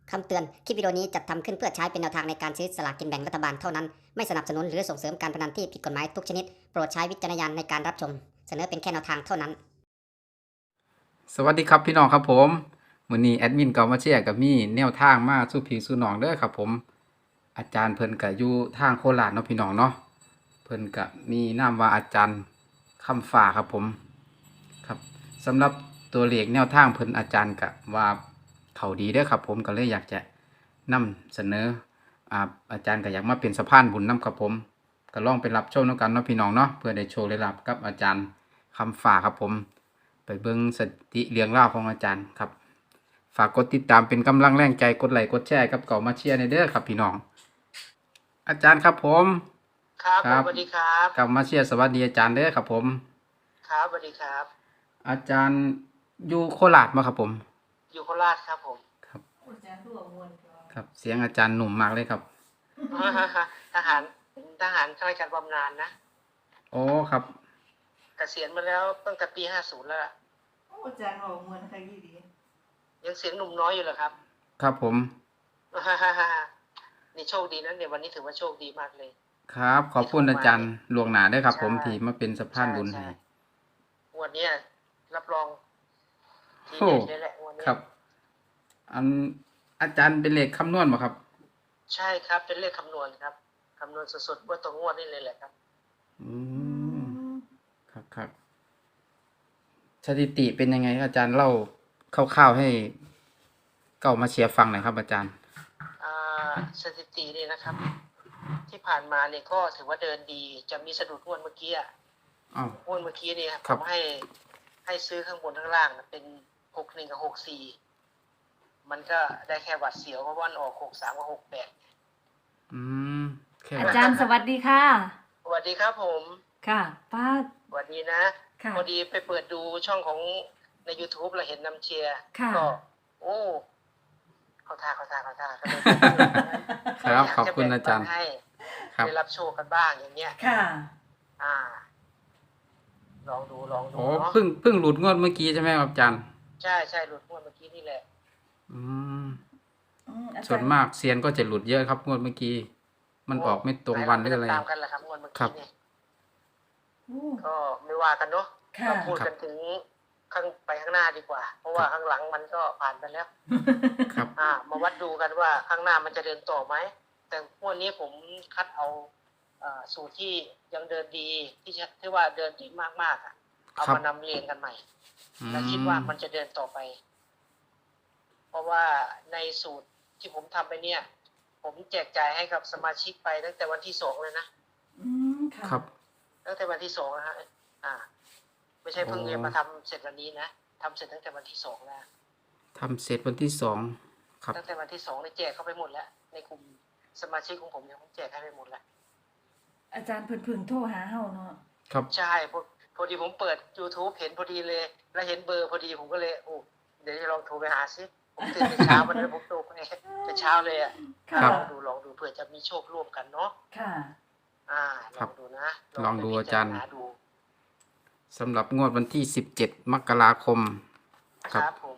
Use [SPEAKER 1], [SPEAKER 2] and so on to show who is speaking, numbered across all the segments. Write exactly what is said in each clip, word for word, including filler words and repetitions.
[SPEAKER 1] คำเตือน คลิปวิดีโอนี้จัดทำขึ้นเพื่อใช้เป็นแนวทางในการซื้อสลากกินแบ่งรัฐบาลเท่านั้น ไม่สนับสนุนหรือส่งเสริมการพนันที่ผิดกฎหมายทุกชนิด โปรดใช้วิจารณญาณในการรับชม เสนอเป็นแค่แนวทางเท่านั้น
[SPEAKER 2] สวัสดีครับพี่น้องครับผมวันนี้แอดมินก็มาแชร์กับมีแนวทางมาสู่พี่สู่น้องเด้อครับผมอาจารย์เพิ่นก็อยู่ทางโคราชเนาะพี่น้องเนาะเพิ่นก็มีนามว่าอาจารย์คำฟ้าครับผมครับสำหรับตัวเลขแนวทางเพิ่นอาจารย์ก็ว่าเขาดีเด้อครับผมก็เลยอยากจะนำเสนออ่าอาจารย์ก็อยากมาเป็นสะพานบุญนำครับผมก็ลองไปรับชมนำกันเนาะพี่น้องเนาะเพื่อได้โชว์ได้รับกับอาจารย์คำฟ้าครับผมไปเบิ่งสถิเรียงราวของอาจารย์ครับฝากกดติดตามเป็นกำลังแรงใจกดไลค์กดแชร์กับเก่ามาเชียร์ในเด้อครับพี่น้องอาจารย์ครับผม
[SPEAKER 3] ครับ
[SPEAKER 2] ครับ
[SPEAKER 3] สวัสดีครับ
[SPEAKER 2] กลับมาเชียร์สวัสดีอาจารย์เด้อครับผม
[SPEAKER 3] ครับสวัสดีครับ
[SPEAKER 2] อาจารย์อยู่โคราชมาครับผม
[SPEAKER 3] อยู่โคราชครับผม
[SPEAKER 2] ครับ
[SPEAKER 4] อาจารย์ตัวมวลก็
[SPEAKER 2] ครับเสียงอาจารย์หนุ่มมากเลยครับ
[SPEAKER 3] ทหารเป็นทหารข้าราชการบำนาญนะ
[SPEAKER 2] โอ้ครับ
[SPEAKER 3] เกษียณมาแล้วตั้งแต่ปีห้าสิบแล้วล่ะ
[SPEAKER 4] โอ้อาจารย์บอกมวลใครยี่ดี
[SPEAKER 3] ยังเสียงหนุ่มน้อยอยู่เหรอครับ
[SPEAKER 2] ครับผม
[SPEAKER 3] นี่โชคดีนะเนี่ยวันนี้ถือว่าโชคดีมากเลย
[SPEAKER 2] ครับขอบคุณอาจารย์ลวงหนาด้วยครับ ผม
[SPEAKER 3] ใช่
[SPEAKER 2] ที่มาเป็นสะพานบุญ
[SPEAKER 3] ใช่
[SPEAKER 2] ให้
[SPEAKER 3] ใช่ วันเนี้ยรับรองที
[SPEAKER 2] โอ้
[SPEAKER 3] เด็ดเลยแหละวันนี้
[SPEAKER 2] ครับ อันอาจารย์เป็นเลขคำนวณบ่ครับ
[SPEAKER 3] ใช่ครับเป็นเลขคำนวณครับคำนวณสดๆว่าตัวงวดนี่เลยแหละครับ
[SPEAKER 2] อืมครับครับสถิติเป็นยังไงอาจารย์เล่าคร่าวๆให้เก่ามาเชียร์ฟังหน่อยครับ อาจารย์
[SPEAKER 3] อ่าสถิตินี่นะครับ ที่ผ่านมาเนี่ยก็ถือว่าเดินดี จะมีสะดุดงวดเมื่อกี้อ่ะ
[SPEAKER 2] อ้าว
[SPEAKER 3] งวดเมื่อกี้เนี่ย
[SPEAKER 2] ค
[SPEAKER 3] ผ
[SPEAKER 2] รับ
[SPEAKER 3] มให้ให้ซื้อข้างบนข้างล่างนะเป็นหกหนึ่งกับหกสี่มันก็ได้แค่หวัดเสียวเพราะว่ามันออกหกสามกับหกแปด
[SPEAKER 2] อืมแค่
[SPEAKER 4] อา
[SPEAKER 2] ว่า
[SPEAKER 4] จารย์สวัสดีค่ะ
[SPEAKER 3] สวัสดีครับผม
[SPEAKER 4] ค่ะป้า
[SPEAKER 3] สวัสดีนะ
[SPEAKER 4] ค่ะ
[SPEAKER 3] พอดีไปเปิดดูช่องของใน YouTube เราเห็นนำเชียร์
[SPEAKER 4] ค่ะ
[SPEAKER 3] ก็ โอ้เขาท่าเขาท่าเขาท่าก็เลย
[SPEAKER 2] ครับ
[SPEAKER 3] ยาก
[SPEAKER 2] ขอบ
[SPEAKER 3] จะ
[SPEAKER 2] คุณ
[SPEAKER 3] แง
[SPEAKER 2] อาจารย์
[SPEAKER 3] ปันให้
[SPEAKER 2] ครับ
[SPEAKER 3] ได้รับโชคกันบ้างอย่างเงี้ย
[SPEAKER 4] ค่ะ
[SPEAKER 3] อ่า ลองดูลองดู
[SPEAKER 2] โอ้
[SPEAKER 3] เนาะ
[SPEAKER 2] เพิ่งเพิ่งหลุดงวดเมื่อกี้ใช่ไหมครับอาจารย์
[SPEAKER 3] ใช่ใช่หลุดงวดเมื่อกี้นี่แหละ
[SPEAKER 2] อืม
[SPEAKER 4] อืมอาจารย์
[SPEAKER 2] ส่วนมากเซียนก็จะหลุดเยอะครับงวดเมื่อกี้ มันออกไม่ตรงวันหรืออะไร
[SPEAKER 3] ตามกันแหละครับงวดเมื่อ
[SPEAKER 2] ครั
[SPEAKER 3] กี้
[SPEAKER 2] บ
[SPEAKER 3] เนี่ย
[SPEAKER 4] โอ้
[SPEAKER 3] ก็ไม่ว่ากันเนาะ
[SPEAKER 4] ค่ะ
[SPEAKER 3] เราพูดกันถึงข้างไปข้างหน้าดีกว่า เพราะว่าข้างหลังมันก็ผ่านไปแล้ว
[SPEAKER 2] ครับ
[SPEAKER 3] อ่า มาวัดดูกันว่าข้างหน้ามันจะเดินต่อไหม แต่งวดนี้ผมคัดเอาอ่าสูตรที่ยังเดินดีที่จะที่ว่าเดินดีมากๆอ่ะ เอา
[SPEAKER 2] ครับ
[SPEAKER 3] มานำเรียนกันใหม่
[SPEAKER 2] อื
[SPEAKER 3] และคิดว่ามันจะเดินต่อไป เพราะว่าในสูตรที่ผมทำไปเนี่ย ผมแจกจ่ายให้กับสมาชิกไปตั้งแต่วันที่สองเลยนะ
[SPEAKER 4] อืมค่ะ
[SPEAKER 2] ครับ
[SPEAKER 3] ตั้งแต่วันที่สองนะฮะ อ่า ไม่ใช่เพิ่ง
[SPEAKER 2] อ๋อ
[SPEAKER 3] เรียนมาทำเสร็จวันนี้นะทำเสร็จตั้งแต่วันที่สองแล้ว
[SPEAKER 2] ทำเสร็จวันที่สองครับ
[SPEAKER 3] ตั้งแต่วันที่สองได้แจกเข้าไปหมดแล้ว ในกลุ่มสมาชิกของผมเนี่ยผมแจกให้ไปหมดแล้ว
[SPEAKER 4] อาจารย์เพิ่นเพึ่งโทรหาเฮาเนาะ
[SPEAKER 2] ครับ
[SPEAKER 3] ใช่พอพอดีผมเปิด YouTube เห็นพอดีเลย แล้วเห็นเบอร์พอดีผมก็เลย โอ้ เดี๋ยวจะลองโทรไปหาซิผมตื่นแต่เช้าวันนั้นผมโทรไปแต่เช้าเลยอ่ะ
[SPEAKER 4] ค่ะ
[SPEAKER 2] ครับ
[SPEAKER 3] ลองดูลองดูเผื่อจะมีโชคร่วมกันเนาะ
[SPEAKER 4] ค่ะ
[SPEAKER 3] อ่า ล
[SPEAKER 2] ครั
[SPEAKER 3] อบ งดูนะ
[SPEAKER 2] ลองดู
[SPEAKER 3] ไป
[SPEAKER 2] อาจารย์
[SPEAKER 3] พิณดู
[SPEAKER 2] สำหรับงวดวันที่สิบเจ็ดมกราคม
[SPEAKER 3] นะ
[SPEAKER 2] ค
[SPEAKER 3] ครับ รับผม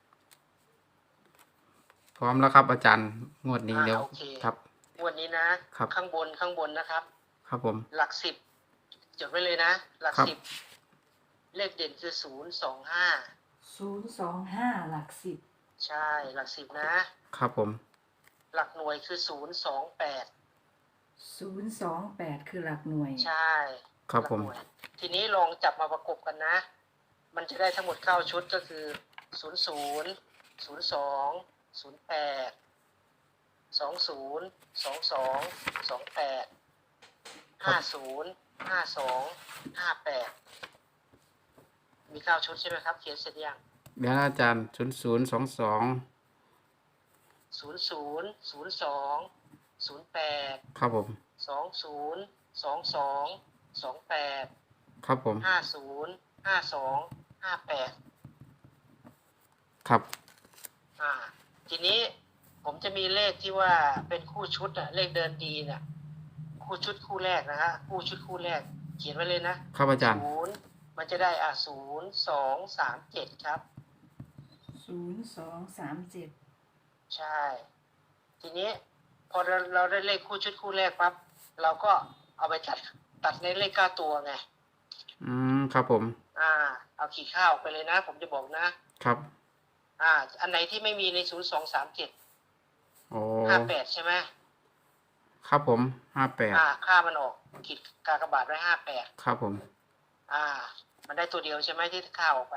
[SPEAKER 2] พร้อมแล้วครับ อาจารย์งวดนี้
[SPEAKER 3] อ่า
[SPEAKER 2] เดี๋ยว
[SPEAKER 3] โอเค
[SPEAKER 2] ครับ
[SPEAKER 3] งวันนี้นะ
[SPEAKER 2] ครับ
[SPEAKER 3] ข้างบนข้างบนนะครับ
[SPEAKER 2] ครับผม
[SPEAKER 3] หลักสิบจดไว้เลยนะ หลัก
[SPEAKER 2] ครับ
[SPEAKER 3] สิบเลขเด่นคือศูนย์สองห้า
[SPEAKER 4] ศูนย์สองห้าหลักสิบ
[SPEAKER 3] ใช่ หลักสิบนะ
[SPEAKER 2] ครับผม
[SPEAKER 3] หลักหน่วยคือศูนย์สองแปด
[SPEAKER 4] ศูนย์สองแปดคือหลักหน่วย
[SPEAKER 3] ใช่
[SPEAKER 2] ครับผม
[SPEAKER 3] หลักหน่วยทีนี้ลองจับมาประกบกันนะ มันจะได้ทั้งหมดเก้าชุดก็คือศูนย์ศูนย์ศูนย์สองศูนย์แปดสองศูนย์สองสองสองแปดห้าศูนย์ห้าสองห้าแปดมีเก้าชุดใช่ไหมครับ เขียนเสร็จยัง
[SPEAKER 2] เดี๋ยวนะอาจารย์ศูนย์ศูนย์สองสอง
[SPEAKER 3] ศูนย์ศูนย์ศูนย์สองศูนย์แปด
[SPEAKER 2] ครับผม
[SPEAKER 3] สองศูนย์สองสองสองแปด
[SPEAKER 2] ครับผม
[SPEAKER 3] ห้าศูนย์ห้าสองห้าแปด
[SPEAKER 2] ครับ
[SPEAKER 3] อ่า ทีนี้ผมจะมีเลขที่ว่าเป็นคู่ชุดอะเลขเดินดีเนี่ยคู่ชุดคู่แรกนะฮะคู่ชุดคู่แรก เขียนไว้เลยนะครับ
[SPEAKER 2] อาจารย์
[SPEAKER 3] ศูนย์มันจะได้อ่ะศูนย์สองสามเจ็ดครับ
[SPEAKER 4] ศูนย์สองสามเจ็ด
[SPEAKER 3] ใช่ ทีนี้พอเราเราได้เลขคู่ชุดคู่แรกปั๊บเราก็เอาไปตัดตัดในเลขเก้าตัวไง
[SPEAKER 2] อืมครับผม
[SPEAKER 3] อ่า เอาขีดข้าวไปเลยนะ ผมจะบอกนะ
[SPEAKER 2] ครับ
[SPEAKER 3] อ่า อันไหนที่ไม่มีในศูนย์สองสามเจ็ด
[SPEAKER 2] โอ้
[SPEAKER 3] ห้าแปดใช่ไหม
[SPEAKER 2] ครับผมห้าแปด
[SPEAKER 3] อ่า ค่ามันออกขีดกากบาทไว้ห้าแปด
[SPEAKER 2] ครับผม
[SPEAKER 3] อ่า มันได้ตัวเดียวใช่ไหมที่ค่าออกไป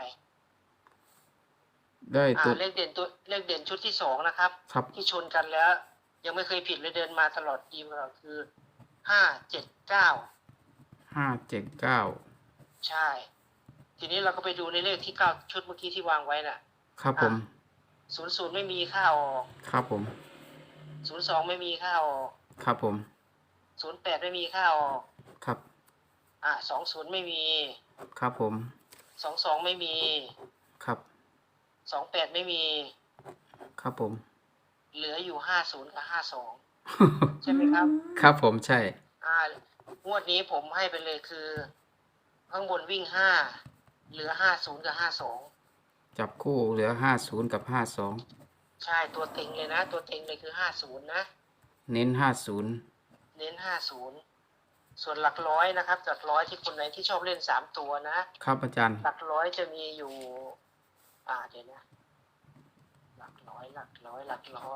[SPEAKER 2] ได้
[SPEAKER 3] อ่า
[SPEAKER 2] ตัว
[SPEAKER 3] เลขเด่นตัวเลขเด่นชุดที่สองนะครับ
[SPEAKER 2] ครับ
[SPEAKER 3] ที่ชนกันแล้ว ยังไม่เคยผิดเลยเดินมาตลอดดีมาตลอดคือห้าเจ็ดเก้า
[SPEAKER 2] ห้าเจ็ดเก้า
[SPEAKER 3] ใช่ ทีนี้เราก็ไปดูในเลขที่เก้าชุดเมื่อกี้ที่วางไว้น่ะ
[SPEAKER 2] ครับผม
[SPEAKER 3] ศูนย์ศูนย์ไม่มีค่าออก
[SPEAKER 2] ครับผม
[SPEAKER 3] ศูนย์สองไม่มีค่าออก
[SPEAKER 2] ครับผม
[SPEAKER 3] ศูนย์แปดไม่มีค่าออก
[SPEAKER 2] ครับ
[SPEAKER 3] อ่าสองศูนย์ไม่มี
[SPEAKER 2] ครับผม
[SPEAKER 3] สองสองไม่มี
[SPEAKER 2] ครับ
[SPEAKER 3] สองแปดไม่มี
[SPEAKER 2] ครับผม
[SPEAKER 3] เหลืออยู่ห้าศูนย์กับห้าสองใช่ไหมครับ
[SPEAKER 2] ครับผมใช่
[SPEAKER 3] อ่างวดนี้ผมให้ไปเลยคือ ข้างบนวิ่งห้าเหลือห้าศูนย์กับห้าสอง
[SPEAKER 2] จับคู่เหลือห้าศูนย์กับห้าสอง
[SPEAKER 3] ใช่ตัวเต็งเลยนะ ตัวเต็งเลยคือห้าศูนย์นะ
[SPEAKER 2] เน้นห้าศูนย์
[SPEAKER 3] เน้นห้าศูนย์ส่วนหลักร้อยนะครับหลักร้อยที่คนไหนที่ชอบเล่นสามตัวนะครับ
[SPEAKER 2] อาจารย์
[SPEAKER 3] หลักร้อยจะมีอยู่ อ่าเดี๋ยวนะ หลักร้อยหลักร้อยหลักร้อย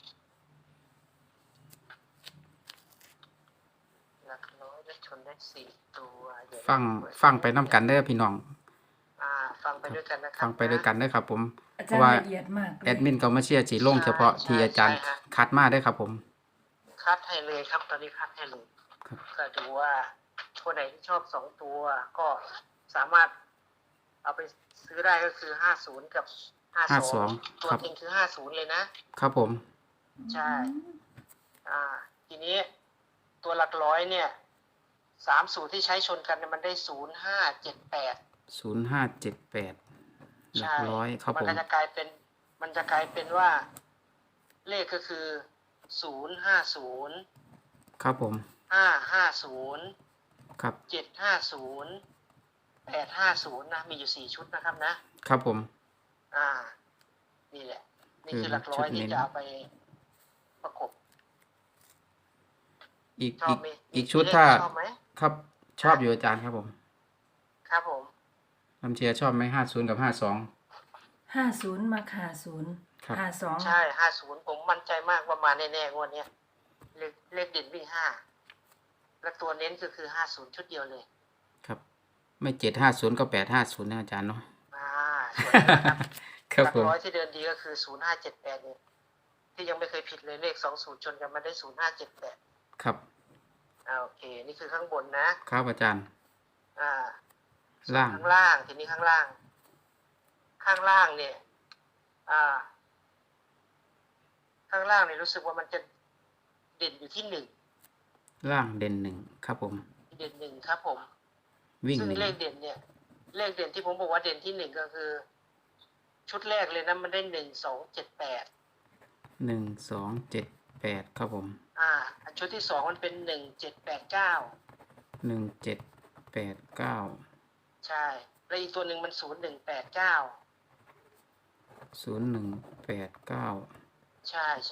[SPEAKER 3] หลักร้อยจะชนได้สี่ตัวเดี๋ยวนะ
[SPEAKER 2] ฟัง
[SPEAKER 3] เปิด
[SPEAKER 2] ฟังไปน้ำกันเด้อพี่น้อง
[SPEAKER 3] อ่า ฟังไปด้วยกันนะครั
[SPEAKER 2] ฟังไปด้วยกันเด้อครับผม
[SPEAKER 4] อา
[SPEAKER 2] เพ
[SPEAKER 4] จาร
[SPEAKER 2] ราะ
[SPEAKER 4] ย์
[SPEAKER 2] ว่า
[SPEAKER 4] ละเอียดมากเลย
[SPEAKER 2] แอดมินก็มาเชียร์จีลงเฉพาะที่อาจารย์คัดมาได้อครับผม
[SPEAKER 3] คัดให้เลยครับ ตอนนี้คัดให้เลย
[SPEAKER 2] ครับ
[SPEAKER 3] ก็ดูว่าคนไหนที่ชอบสองตัว ก็สามารถเอาไปซื้อได้ก็คือห้าศูนย์กับห้า
[SPEAKER 2] ห้า
[SPEAKER 3] ส
[SPEAKER 2] ส
[SPEAKER 3] อ
[SPEAKER 2] อง ง
[SPEAKER 3] ตัว
[SPEAKER 2] ครับ
[SPEAKER 3] จริงคือห้าศูนย์เลยนะ
[SPEAKER 2] ครับผม
[SPEAKER 3] ใช่ อ่า ทีนี้ตัวหลักร้อยเนี่ยสามสูตรที่ใช้ชนกันเนี่ยมันได้ศูนย์ห้าเจ็ดแปด
[SPEAKER 2] ศูนย์ห้าเจ็ดแปดหลัก
[SPEAKER 3] ใช่
[SPEAKER 2] ร้อยครับ
[SPEAKER 3] มัน
[SPEAKER 2] ผม
[SPEAKER 3] ก็จะกลายเป็น มันจะกลายเป็นว่า เลขก็คือศูนย์ห้าศูนย์
[SPEAKER 2] ครับผม
[SPEAKER 3] ห้าห้าศูนย์
[SPEAKER 2] ครับ
[SPEAKER 3] เจ็ดห้าศูนย์แปดห้าศูนย์นะมีอยู่สี่ชุดนะครับนะครับ
[SPEAKER 2] ผม
[SPEAKER 3] อ่า นี่แหละ นี่คือ
[SPEAKER 2] คือ
[SPEAKER 3] หลักร้อย
[SPEAKER 2] ชุดเน้
[SPEAKER 3] ที่
[SPEAKER 2] น
[SPEAKER 3] จะเอาไปประกบ
[SPEAKER 2] อีก
[SPEAKER 3] ชอ
[SPEAKER 2] อี
[SPEAKER 3] บ
[SPEAKER 2] ก
[SPEAKER 3] ไหม
[SPEAKER 2] อีกชุด
[SPEAKER 3] เลข
[SPEAKER 2] ถ้า
[SPEAKER 3] ชอบไหม
[SPEAKER 2] ครับชอบอยู่อาจารย์ครับผม
[SPEAKER 3] ครับผม
[SPEAKER 2] ลำเชียร์ชอบไหมห้าศูนย์กับห้าสอง
[SPEAKER 4] ห้าศูนย์มาห้าศูนย์
[SPEAKER 2] ครับ
[SPEAKER 4] ห้าสอง
[SPEAKER 3] ใช่ห้าศูนย์ผมมั่นใจมากว่ามาแน่ๆงวดเนี้ยเลขเลขเด่นวิ่งห้าและตัวเน้นก็คือห้าศูนย์ชุดเดียวเลย
[SPEAKER 2] ครับ ไม่เจ็ดห้าศูนย์ก็แปดห้าศูนย์นะอาจารย์เนาะ
[SPEAKER 3] อ่าส่วนนี้นะครับ
[SPEAKER 2] ครับ
[SPEAKER 3] หลัก
[SPEAKER 2] ผม
[SPEAKER 3] ร้อยที่เดินดีก็คือศูนย์ห้าเจ็ดแปดเนี่ยที่ยังไม่เคยผิดเลยเลขสองศูนย์ชนกันมาได้ศูนย์ห้าเจ็ดแปด
[SPEAKER 2] ครับ
[SPEAKER 3] อ่าโอเค นี่คือข้างบนนะครับ
[SPEAKER 2] อาจารย์
[SPEAKER 3] อ่า
[SPEAKER 2] ล่าง
[SPEAKER 3] ข้างล่างทีนี้ข้างล่าง ข้างล่างเนี่ย อ่า ข้างล่างเนี่ยรู้สึกว่ามันจะเด่นอยู่ที่หนึ่ง
[SPEAKER 2] ล่างเด่นหนึ่งครับผม
[SPEAKER 3] เด่นหนึ่งครับผม
[SPEAKER 2] วิ่ง
[SPEAKER 3] ซึ่ง
[SPEAKER 2] หนึ่ง
[SPEAKER 3] เลขเด่นเนี่ย เลขเด่นที่ผมบอกว่าเด่นที่หนึ่งก็คือ ชุดแรกเลยนะมันได้หนึ่งสองเจ็ดแปด
[SPEAKER 2] หนึ่งสองเจ็ดแปดครับผม
[SPEAKER 3] อ่าอันชุดที่สองมันเป็นหนึ่งเจ็ดแปดเก้า
[SPEAKER 2] หนึ่งเจ็ดแปดเก้า
[SPEAKER 3] ใช่ แล้วอีกตัวหนึ่งมันศูนย์หนึ่งแปดเก้า
[SPEAKER 2] ศูนย์หนึ่งแปดเก้า
[SPEAKER 3] ใช่ใช่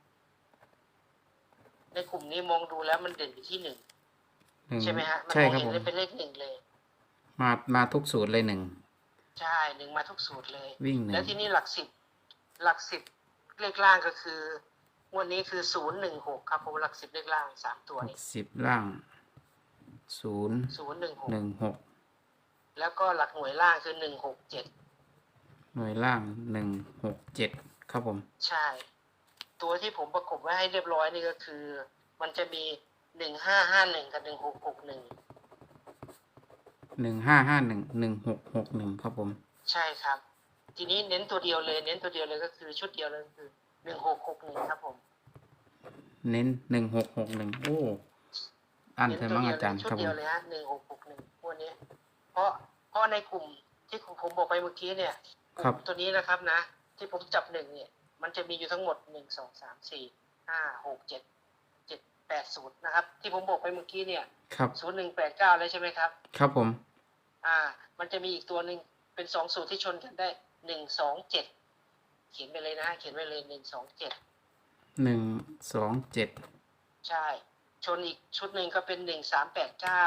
[SPEAKER 3] ในกลุ่มนี้มองดูแล้วมันเด่นอยู่ที่หนึ่ง
[SPEAKER 2] หนึ่ง
[SPEAKER 3] ใช่ไหมฮะ มัน
[SPEAKER 2] ใช่
[SPEAKER 3] มอง
[SPEAKER 2] ครับ
[SPEAKER 3] เห็น
[SPEAKER 2] ผม
[SPEAKER 3] เลยเป็นเลขหนึ่งเลย
[SPEAKER 2] มามาทุกสูตรเลยหนึ่ง
[SPEAKER 3] ใช่หนึ่งมาทุกสูตรเลย
[SPEAKER 2] วิ่งหนึ่ง
[SPEAKER 3] แล้วที่นี่หลักสิบหลักสิบเลขล่างก็คืองวดนี้คือศูนย์หนึ่งหกครับผมหลักสิบเลขล่างสามตัว
[SPEAKER 2] หก
[SPEAKER 3] นี้
[SPEAKER 2] สิบล่างศูนย์
[SPEAKER 3] ศูนย์หนึ่งหก
[SPEAKER 2] หนึ่งหก
[SPEAKER 3] แล้วก็หลักหน่วยล่างคือหนึ่งหกเจ็ด
[SPEAKER 2] หน่วยล่างหนึ่งหกเจ็ดครับผม
[SPEAKER 3] ใช่ ตัวที่ผมประกบไว้ให้เรียบร้อยนี่ก็คือ มันจะมีหนึ่งห้าห้าหนึ่งกับหนึ่งหกหกหนึ่ง
[SPEAKER 2] หนึ่งห้าห้าหนึ่งหนึ่งหกหกหนึ่งครับผม
[SPEAKER 3] ใช่ครับ ทีนี้เน้นตัวเดียวเลย เน้นตัวเดียวเลยก็คือชุดเดียวเลยคือหนึ่งหกหกหนึ่งครับผม
[SPEAKER 2] เน้นหนึ่งหกหกหนึ่งโอ้อัน
[SPEAKER 3] เน้น
[SPEAKER 2] เธอ
[SPEAKER 3] ตัว
[SPEAKER 2] มั่ง
[SPEAKER 3] เดียว
[SPEAKER 2] อา
[SPEAKER 3] เล
[SPEAKER 2] จาร
[SPEAKER 3] ย
[SPEAKER 2] ย์
[SPEAKER 3] ชุด
[SPEAKER 2] ครับผ
[SPEAKER 3] เดียว
[SPEAKER 2] ม
[SPEAKER 3] เลยฮะหนึ่งหกหกหนึ่งพวกนี้ เพราะเพราะในกลุ่มที่ผมบอกไปเมื่อกี้เนี่ยก
[SPEAKER 2] ครั
[SPEAKER 3] ลุ่
[SPEAKER 2] บ
[SPEAKER 3] มตัวนี้นะครับนะ ที่ผมจับหนึ่งเนี่ย มันจะมีอยู่ทั้งหมดหนึ่งสองสามสี่ห้าหกเจ็ดเจ็ดแปดศูนย์นะครับ ที่ผมบอกไปเมื่อกี้เนี่ย
[SPEAKER 2] ครับ
[SPEAKER 3] ศูนย์หนึ่งแปดเก้าเลยใช่ไหมครับ
[SPEAKER 2] ครับผม
[SPEAKER 3] อ่า มันจะมีอีกตัวหนึ่งเป็นสองสูตรที่ชนกันได้หนึ่งสองเจ็ดเขียนไปเลยนะเขียนไปเลยหนึ่งสองเจ็ด
[SPEAKER 2] หนึ่งสองเจ็ด
[SPEAKER 3] ใช่ชนอีกชุดหนึ่งก็เป็นหนึ่งสามแปดเก้า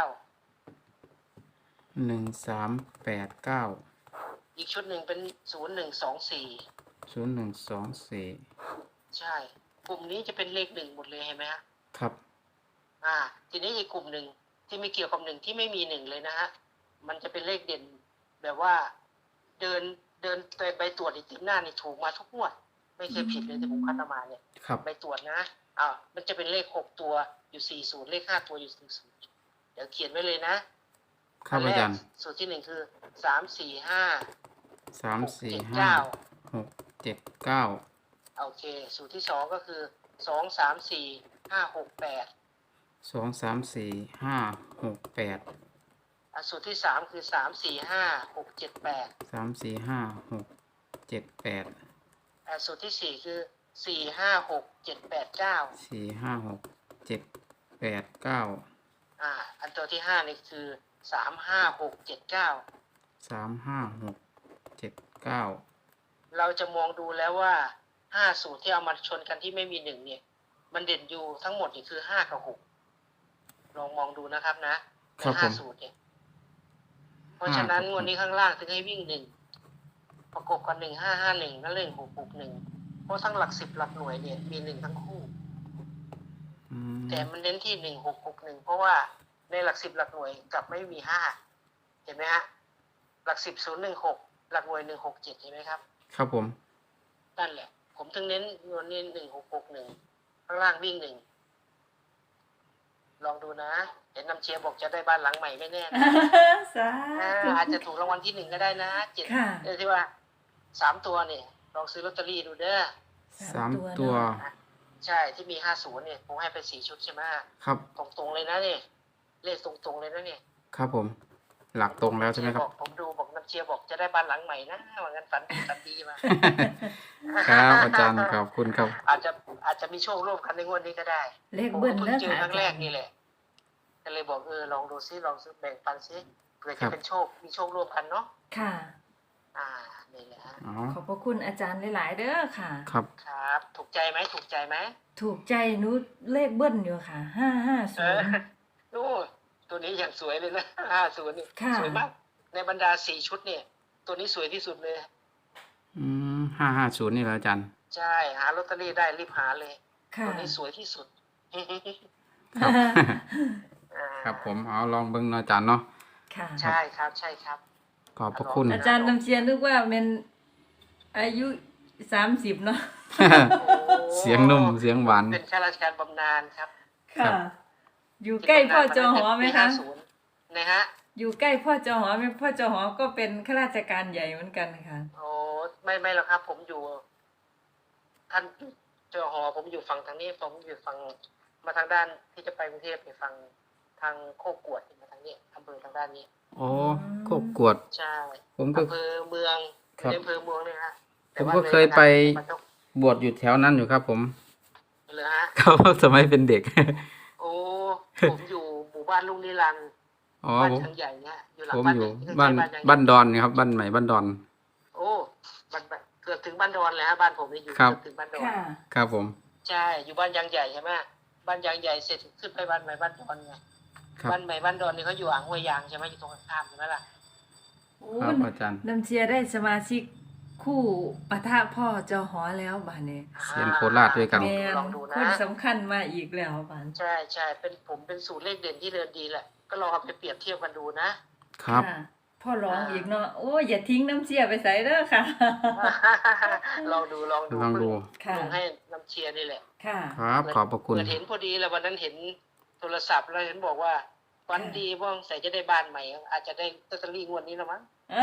[SPEAKER 2] หนึ่งสามแปดเก้า
[SPEAKER 3] อีกชุดหนึ่งเป็นศูนย์หนึ่งสองสี่
[SPEAKER 2] ศูนย์หนึ่งสองสี่
[SPEAKER 3] ใช่กลุ่มนี้จะเป็นเลขหนึ่งหมดเลยเห็นไหมฮะ
[SPEAKER 2] ครับ
[SPEAKER 3] อ่าทีนี้อีกกลุ่มหนึ่งที่ไม่เกี่ยวกับหนึ่งที่ไม่มีหนึ่งเลยนะฮะมันจะเป็นเลขเด่นแบบว่าเดินเดินไปใบตรวจอีกติดหน้านี่ถูกมาทุกงวดไม่เคยผิดเลยที่ผมคัดมาเนี่ย
[SPEAKER 2] ครับ
[SPEAKER 3] ใบตรวจนะอ่ามันจะเป็นเลขหกตัวอยู่สี่ศูนย์เลขห้าตัวอยู่สี่ศูนย์เดี๋ยวเขียนไว้เลยนะครับ
[SPEAKER 2] อาจารย์
[SPEAKER 3] สูตรที่หนึ่งคือสามสี่ห้า
[SPEAKER 2] สามสี่
[SPEAKER 3] เจ็ด
[SPEAKER 2] ห้า
[SPEAKER 3] เก้า
[SPEAKER 2] หกเจ็ดเก้า
[SPEAKER 3] โอเคสูตรที่สองก็คือสองสามสี่ห้าหกแปด
[SPEAKER 2] สองสามสี่ห้าหกแปด
[SPEAKER 3] อ่ะสูตรที่สามคือสามสี่ห้าหกเจ็ดแปด
[SPEAKER 2] สามสี่ห้าหกเจ็ดแปด
[SPEAKER 3] อ่ะสูตรที่สี่คือสี่ห้าหกเจ็ดแปดเก้า
[SPEAKER 2] สี่ห้าหกเจ็ดแปดเก้า
[SPEAKER 3] อ่าอันตัวที่ห้านี่คือสามห้าหกเจ็ดเก้า
[SPEAKER 2] สามห้าหกเจ็ดเก้า
[SPEAKER 3] เราจะมองดูแล้วว่าห้าสูตรที่เอามาชนกันที่ไม่มีหนึ่งเนี่ย มันเด่นอยู่ทั้งหมดนี่คือห้ากับหกลองมองดูนะครับนะใน
[SPEAKER 2] ครับผ
[SPEAKER 3] ห้าม สูตรเนี่ย เพราะฉะนั้นงวดนี้ข้างล่างถึงให้วิ่งหนึ่งประกบกันหนึ่งห้าห้าหนึ่งแล้วเล่นหกหกหนึ่งเพราะทั้งหลักสิบหลักหน่วยเนี่ยมีหนึ่งทั้งคู่
[SPEAKER 2] อืม
[SPEAKER 3] แต่มันเน้นที่หนึ่งหกหกหนึ่งเพราะว่าในหลักสิบหลักหน่วยกลับไม่มีห้าเห็นไหมฮะหลักสิบศูนย์หนึ่งหกหลักหน่วยหนึ่งหกเจ็ดเห็นไหมครับ
[SPEAKER 2] ครับผม
[SPEAKER 3] นั่นแหละ ผมถึงเน้นงวดนี้หนึ่งหกหกหนึ่งข้างล่างวิ่งหนึ่งลองดูนะเห็นน้ำเชียร์บอกจะได้บ้านหลังใหม่ไม่แน่นะ
[SPEAKER 4] สา
[SPEAKER 3] อ่า
[SPEAKER 4] ธุ
[SPEAKER 3] อาจจะถูกรางวัลที่หนึ่งก็ได้นะเจ็ด
[SPEAKER 4] ค่ะ
[SPEAKER 3] เออที่ว่าสามตัวเนี่ยลองซื้อลอตเตอรี่ดูเด้อ
[SPEAKER 2] สามตัว
[SPEAKER 4] เนาะ
[SPEAKER 3] ใช่ที่มีห้าศูนย์เนี่ยผมให้ไปสี่ชุดใช่ไหม
[SPEAKER 2] ครับ
[SPEAKER 3] ตรงๆเลยนะเนี่ยเลขตรงๆเลยนะเนี่ย
[SPEAKER 2] ครับผม หลักตรงแล้วใช่ไหมครับ
[SPEAKER 3] อกผมดูบอกน้ำเชียร์บอกจะได้บ้านหลังใหม่นะว่างั้นฝันดีฝันดีมา
[SPEAKER 2] ครับอาจารย์ขอบคุณครับ
[SPEAKER 3] อาจจะอาจจะมีโชคร่วมกันในงวดนี้ก็ได้
[SPEAKER 4] เลข
[SPEAKER 3] ผม
[SPEAKER 4] เบิ้
[SPEAKER 3] ก็
[SPEAKER 4] ล
[SPEAKER 3] เพิ่ง
[SPEAKER 4] เนื้อ
[SPEAKER 3] เจอ
[SPEAKER 4] ค่ะ
[SPEAKER 3] ครั้งแรกนี่แหละก็เลยบอกเออลองดูซิลองซื้อแบ่งปันซิเผื่อ
[SPEAKER 2] ครั
[SPEAKER 3] จะ
[SPEAKER 2] บ
[SPEAKER 3] เป็นโชคมีโชคร่วมกันเนาะ
[SPEAKER 4] ค่ะ
[SPEAKER 3] อ่านี่แหละฮะ
[SPEAKER 2] อ๋อ
[SPEAKER 4] ขอบพระคุณอาจารย์หลาย ๆ เด้อค่ะ
[SPEAKER 2] ครับ
[SPEAKER 3] ครับ ถูกใจไหมถูกใจไหม
[SPEAKER 4] ถูกใจหนูเลขเบิ้ลอยู่ค่ะ ห้าห้า
[SPEAKER 3] เอ
[SPEAKER 4] ศู
[SPEAKER 3] อน
[SPEAKER 4] ย์
[SPEAKER 3] โอ้ตัวนี้อย่างสวยเลยนะห้าศูนย์นี่
[SPEAKER 4] ค่ะ
[SPEAKER 3] สวยมากในบรรดาสี่ชุดเนี่ย ตัวนี้สวยที่สุดเลย
[SPEAKER 2] อืมห้าห้าศูนย์นี่เหรออาจารย์
[SPEAKER 3] ใช่หาลอตเตอรี่ได้รีบหาเลย
[SPEAKER 4] ค่ะ
[SPEAKER 3] ตัวนี้สวยที่สุด
[SPEAKER 2] ครับ
[SPEAKER 3] อ่า
[SPEAKER 2] ครับผมเอาลองเบิ่งเนาะอาจารย์เนาะ
[SPEAKER 4] ค่ะ
[SPEAKER 3] ใช่ครับใช่ครับ
[SPEAKER 2] ขอบพระคุณ
[SPEAKER 4] อาจารย์น้ำเชียร์นึกว่าเป็นอายุสามสิบเนาะ
[SPEAKER 2] เสียงนุ่มเสียงหวาน
[SPEAKER 3] เป็นข้าราชการบำนาญครับ
[SPEAKER 2] ครั
[SPEAKER 4] ค่ะ
[SPEAKER 2] บ
[SPEAKER 4] อยู่ใกล้พ่อจอหอไหมคะ
[SPEAKER 3] นะฮะ
[SPEAKER 4] อยู่ใกล้พ่อจอหอไหมพ่อจอหอก็เป็นข้าราชการใหญ่เหมือนกันค่ะ
[SPEAKER 3] โอ้ไม่ไม่หรอกครับ ผมอยู่ ท่านเจ้าหอผมอยู่ฝั่งทางนี้ ผมอยู่ฝั่งมาทางด้านที่จะไปกรุงเทพเนี่ยฝั่งทางโคกกวดมาทางนี้อำเภอทางด้านนี้
[SPEAKER 2] โอ้โคกกวด
[SPEAKER 3] ใช่
[SPEAKER 2] ผมก็
[SPEAKER 3] อำเภอเมือง
[SPEAKER 2] ครับ
[SPEAKER 3] ในอำเภอเมืองเนี่ยฮะ
[SPEAKER 2] ผมก็เคยไป
[SPEAKER 3] มันต้อง
[SPEAKER 2] บวชอยู่แถวนั้นอยู่ครับ ผม
[SPEAKER 3] เลยฮะ
[SPEAKER 2] เขาสมัยเป็นเด็ก
[SPEAKER 3] โอ้ผมอยู่หมู่บ้านลุงนิรันดร์
[SPEAKER 2] อ๋อ
[SPEAKER 3] บ้าน
[SPEAKER 2] ผม
[SPEAKER 3] ทางใหญ่เนี่ยอยู่หลัง
[SPEAKER 2] ผม
[SPEAKER 3] บ้าน
[SPEAKER 2] อ
[SPEAKER 3] ให
[SPEAKER 2] ยู่
[SPEAKER 3] ญ่ที่
[SPEAKER 2] บ้าน
[SPEAKER 3] ใกล้ๆยังใหญ่
[SPEAKER 2] บ้านดอนนี่ครับบ้านใหม่บ้านดอน
[SPEAKER 3] โอ้บ้านบ้านเกือบถึงบ้านดอนเลยฮะบ้านผมเนี่ยอยู่
[SPEAKER 2] ครับ
[SPEAKER 3] เกือบถึงบ้านดอน
[SPEAKER 4] ค่ะ
[SPEAKER 2] ครับผม
[SPEAKER 3] ใช่อยู่บ้านยางใหญ่ใช่ไหมบ้านยางใหญ่เสร็จขึ้นไปบ้านใหม่บ้านดอนไง
[SPEAKER 2] ครับ
[SPEAKER 3] บ้านใหม่บ้านดอนนี่เขาอยู่อ่างห้วยยางใช่ไหมอยู่ตรงข้ามใช่ไหมล่ะ
[SPEAKER 4] โอ้
[SPEAKER 2] ครับอาจารย์
[SPEAKER 4] น้ำเชียร์ได้สมาชิกคู่ปะทะพ่อจอหอแล้วบ้านนี้
[SPEAKER 2] เสียงโคราชด้วยกัน
[SPEAKER 4] แม่
[SPEAKER 3] ลองดู
[SPEAKER 4] ค
[SPEAKER 3] นะ
[SPEAKER 4] นสำคัญมาอีกแล้วบ้าน
[SPEAKER 3] ใช่ใช่เป็นผมเป็นสูตรเลขเด่นที่เดินดีแหละ ก็ลองเอาไปเปรียบเทียบกันดูนะ
[SPEAKER 2] ครับ
[SPEAKER 4] ค่ะพ่อร้องอีกเนาะโอ้ยอย่าทิ้งน้ำเชียร์ไปใส่เด้อค่ะ
[SPEAKER 3] ลองดูลองดู
[SPEAKER 2] ลองดู
[SPEAKER 4] ค่ะ
[SPEAKER 3] ลงให้น้ำเชียร์นี่แหละ
[SPEAKER 4] ค่ะ
[SPEAKER 2] ครับขอบพระคุณ
[SPEAKER 3] เปิดเห็นพอดีแล้ววันนั้นเห็นโทรศัพท์แล้วเห็นบอกว่าวันดีว่างใส่จะได้บ้านใหม่ อาจจะได้ลอตเตอรี่งวดนี้แล้วมั้ง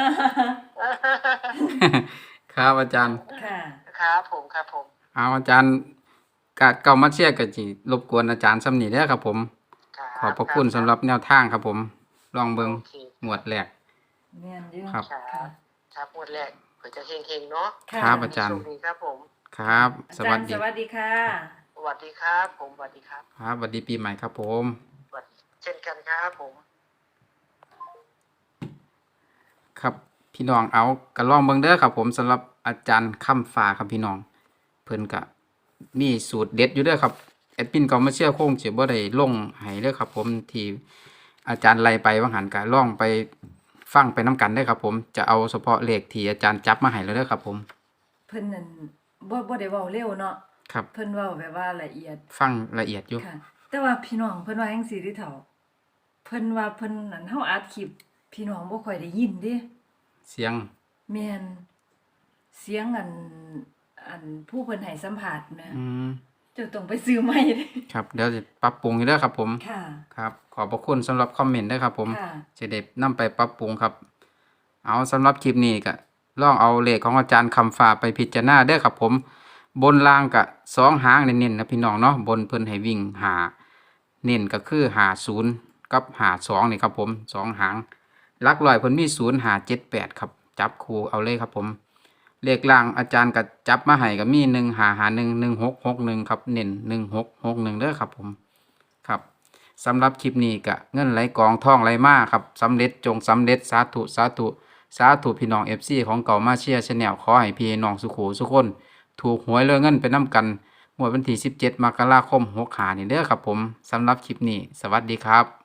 [SPEAKER 2] ครับอาจารย์
[SPEAKER 4] ค่ะ
[SPEAKER 3] ครับผมครับผม
[SPEAKER 2] เอาอาจารย์กะเก่ามาเชียร์กะจิรบกวนอาจารย์สำนีเด้อครับผม ขอบพระคุณสำหรับแนวทางครับผม ลองเบิ่ง
[SPEAKER 3] โอเค
[SPEAKER 2] หมวดแรก
[SPEAKER 4] แม่นอยู่
[SPEAKER 2] ครับ
[SPEAKER 3] ครับครับงวดแรกเผื่อจะเฮงๆเนาะ
[SPEAKER 4] ค่ะ
[SPEAKER 2] ครับอาจารย์
[SPEAKER 3] โชคดีครับผม
[SPEAKER 2] ครับ
[SPEAKER 4] อา
[SPEAKER 2] ส
[SPEAKER 4] จา
[SPEAKER 2] วั
[SPEAKER 4] ร
[SPEAKER 2] ส
[SPEAKER 4] ย์
[SPEAKER 2] ดี
[SPEAKER 4] สวัสดีค่ะ
[SPEAKER 3] สวัสดีครับผมสวัสดีครับ
[SPEAKER 2] ครับสวัสดีปีใหม่ครับผม
[SPEAKER 3] สวัสดีเช่นกันครับผม
[SPEAKER 2] ครับพี่น้องเอากระลองเบิ่งเด้อครับผมสำหรับอาจารย์คำฟ้าครับพี่น้องเพิ่นก็มีสูตรเด็ดอยู่เด้อครับแอดมินก็มาเชื่อโค้งสิบ่ได้ลงให้เด้อครับผมที่อาจารย์ไล่ไปว่าหันก็ลองไปฟังไปนํกันเด้อครับผมจะเอาเฉพาะเลขที่อาจารย์จับมาให้แล้วเด้อครับผม
[SPEAKER 4] เพิ่นนั่นบ่บ่ได้เว้าเร็วเนาะ
[SPEAKER 2] ครับ
[SPEAKER 4] เพิ่นเว้าแบบว่าละเอียด
[SPEAKER 2] ฟังละเอียดอยู่
[SPEAKER 4] ค่ะ แต่ว่าพี่น้องเพิ่นว่าจังซี่เด้อเฒ่าเพิ่นว่าเพิ่นนั่นเฮาอัดคลิปพี่น้องบ่ค่อยได้ยินเด้
[SPEAKER 2] เสียง
[SPEAKER 4] แม่นเสียงอันอันผู้เพิ่นให้สัมภาษณ์แหม่
[SPEAKER 2] อืม
[SPEAKER 4] เจ้าต้องไปซื้อใหม่เด้
[SPEAKER 2] ครับเดี๋ยวจะปรับปรุงอยู่เด้อครับผม
[SPEAKER 4] ค่ะ
[SPEAKER 2] ครับ ขอบพระคุณสำหรับคอมเมนต์ด้วยครับผม
[SPEAKER 4] ค่ะ
[SPEAKER 2] จะได้นำไปปรับปรุงครับ เอาสำหรับคลิปนี้ก็ลองเอาเลขของอาจารย์คำฟ้าไปพิจารณาเด้อครับผม บนล่างกะสองหางเน้นๆนะพี่น้องเนาะบนเพิ่นให้วิ่งหาเน้นก็คือหาศูนย์กับหาสองนี่ครับผมสองหางหลักร้อยเพิ่นมีศูนย์หาเจ็ดแปดครับจับคู่เอาเลยครับผมเลขล่างอาจารย์ก็จับมาให้ก็มีหนึ่งหาหาหนึ่งหนึ่งหกหกหนึ่งครับเน้นหนึ่งหกหกหนึ่งเด้อครับผมครับสำหรับคลิปนี้ก็เงินไหลกองท่องไหลมาครับสำเร็จจงสำเร็จสาธุสาธุสาธุพี่น้องเอฟซีของเก่ามาเชียร์ชาแนลขอให้พี่น้องสุขูสุขคนถูกหวยเรือเงินไปน้ำกันงวดวันที่สิบเจ็ดมกราคมหกห้านี่เด้อครับผมสำหรับคลิปนี้สวัสดีครับ